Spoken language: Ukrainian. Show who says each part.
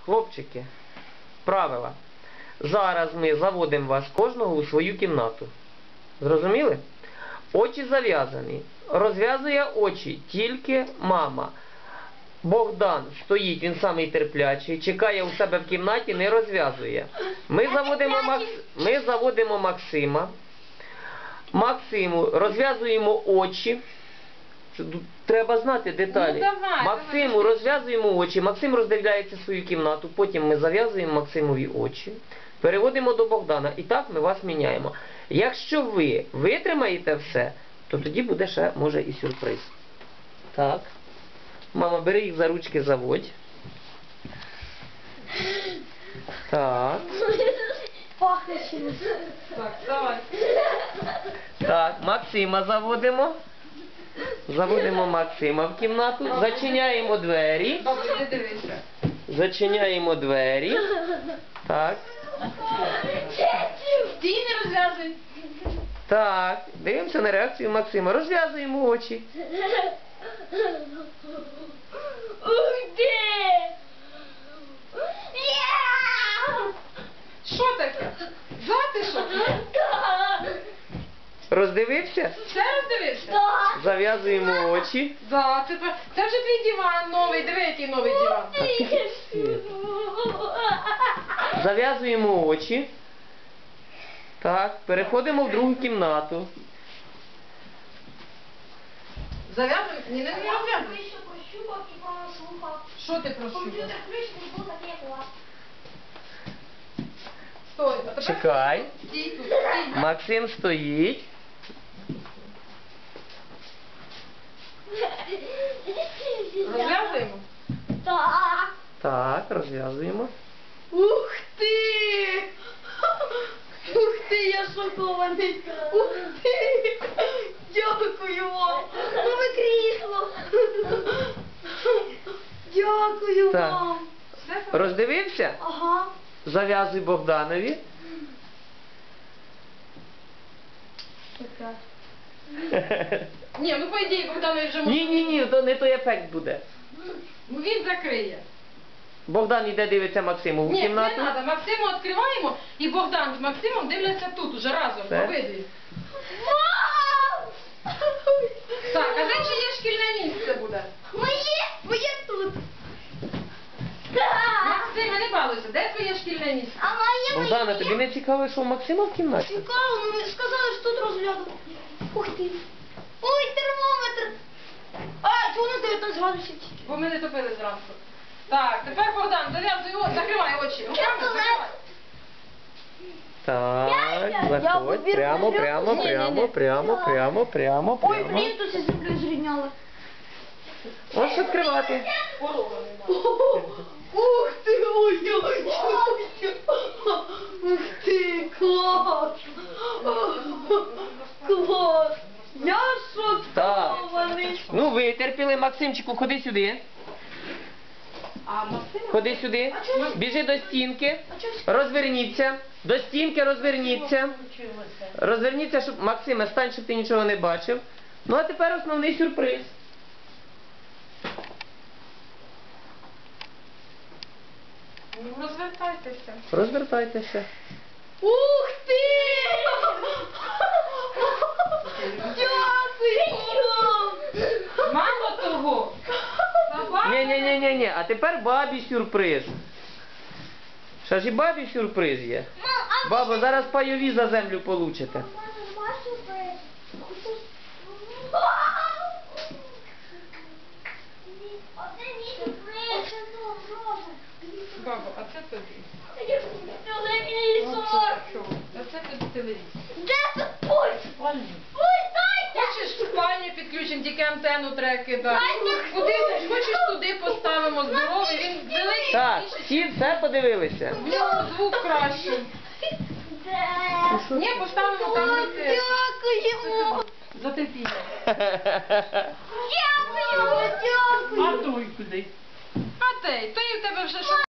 Speaker 1: хлопчики, правила. Зараз ми заводимо вас кожного у свою кімнату. Зрозуміли? Очі зав'язані. Розв'язує очі тільки мама. Богдан стоїть, він самий терплячий, чекає у себе в кімнаті, не розв'язує. Ми заводимо Максима. Максиму розв'язуємо очі. Треба знати деталі. Максиму розв'язуємо очі, Максим роздивляється свою кімнату, потім ми зав'язуємо Максимові очі, переводимо до Богдана і так ми вас міняємо. Якщо ви витримаєте все, то тоді буде ще, може, і сюрприз. Так. Мама, бери їх за ручки, заводь. Так.
Speaker 2: Пахне чимось.
Speaker 3: Так, давай.
Speaker 1: Так, Максима заводимо. Заводимо Максима в кімнату. Зачиняємо двері.
Speaker 3: Бабусь, не дивися.
Speaker 1: Зачиняємо двері. Так.
Speaker 3: Стій, не розв'язуй.
Speaker 1: Так. Дивимося на реакцію Максима. Розв'язуємо очі.
Speaker 2: Ух ти!
Speaker 3: Що таке? Затишок?
Speaker 1: Роздивився?
Speaker 3: Все роздивився?
Speaker 1: Зав'язуємо очі.
Speaker 3: Да, це вже твій диван новий. Диви, який новий диван.
Speaker 1: Зав'язуємо очі. Так. Переходимо в другу кімнату.
Speaker 3: Зав'язуй? Ні, не розв'язуй.
Speaker 2: Ще прощупав і прослухав.
Speaker 3: Що ти прощупав?
Speaker 2: Комп'ютер включений був такий, як у вас.
Speaker 3: Стой. А тепер
Speaker 1: Чекай.
Speaker 3: стій тут, стій.
Speaker 1: Максим стоїть.
Speaker 3: Розв'язуємо?
Speaker 2: Так.
Speaker 1: Так, розв'язуємо.
Speaker 2: Ух ти! Ух ти, я шокований! Ух ти! Дякую вам! Нове крісло! Дякую
Speaker 1: Так.
Speaker 2: вам!
Speaker 3: Все?
Speaker 1: Роздивився?
Speaker 2: Ага.
Speaker 1: Зав'язуй Богданові.
Speaker 3: Ні, ну по ідеї Богданові вже може.
Speaker 1: Ні, то не той ефект буде.
Speaker 3: Ну він закриє.
Speaker 1: Богдан йде дивиться Максиму в
Speaker 3: Ні, не
Speaker 1: кімнату.
Speaker 3: треба. Максиму відкриваємо і Богдан з Максимом дивляться тут уже разом.
Speaker 1: Все.
Speaker 3: Обидві.
Speaker 2: Вау!
Speaker 3: Так, а де чиє шкільне місце буде?
Speaker 2: Моє тут!
Speaker 3: Максиме, не балуйся, де твоє шкільне місце?
Speaker 2: А моє
Speaker 1: Богдана, тобі не цікаво, що у Максима в кімнаті?
Speaker 2: Цікаво, ну ви сказали, що тут розгляду. Ух ти. Ой, термометр. А, чого на 19 градусів?
Speaker 3: Бо ми не топили зранку. Так, тепер Богдан, зав'язуй очі, закривай очі. Руками закривай.
Speaker 1: Так, заходь. Прямо.
Speaker 2: Ой, блін, тут все землю зрівняли.
Speaker 1: Ось відкривати.
Speaker 2: Ух ти, моя! Ух ти, клас! Клас! Я шокований!
Speaker 1: Ну, витерпіли. Максимчику, ходи сюди.
Speaker 3: А Максим?
Speaker 1: Ходи сюди. Біжи до стінки. Розверніться. До стінки розверніться. Розверніться, щоб... Максиме, стань, щоб ти нічого не бачив. Ну, а тепер основний сюрприз.
Speaker 3: Ну, розвертайтеся.
Speaker 1: Розвертайтеся.
Speaker 2: Ух ти! Дякую!
Speaker 3: Мало того.
Speaker 1: Ні. А тепер бабі сюрприз. Ще ж і бабі сюрприз є. Бабо, зараз пайові за землю получите.
Speaker 3: Бабо, а це тобі.
Speaker 2: Телевізор!
Speaker 3: А це тобі телевізор.
Speaker 2: Де тут пульт? Пульт дайте!
Speaker 3: Хочеш в спальню підключимо, тільки антенну треба кидати.
Speaker 2: Дайте
Speaker 3: Куди
Speaker 2: пульт!
Speaker 3: хочеш туди поставимо здоровий, він великий.
Speaker 1: Так,
Speaker 3: більший.
Speaker 1: всі все подивилися.
Speaker 3: В нього звук кращий.
Speaker 2: Де?
Speaker 3: Ні, поставимо там
Speaker 2: О,
Speaker 3: де ти.
Speaker 2: дякуємо!
Speaker 3: За терпіння.
Speaker 2: Дякую! Дякую!
Speaker 3: той куди? А той в тебе вже що?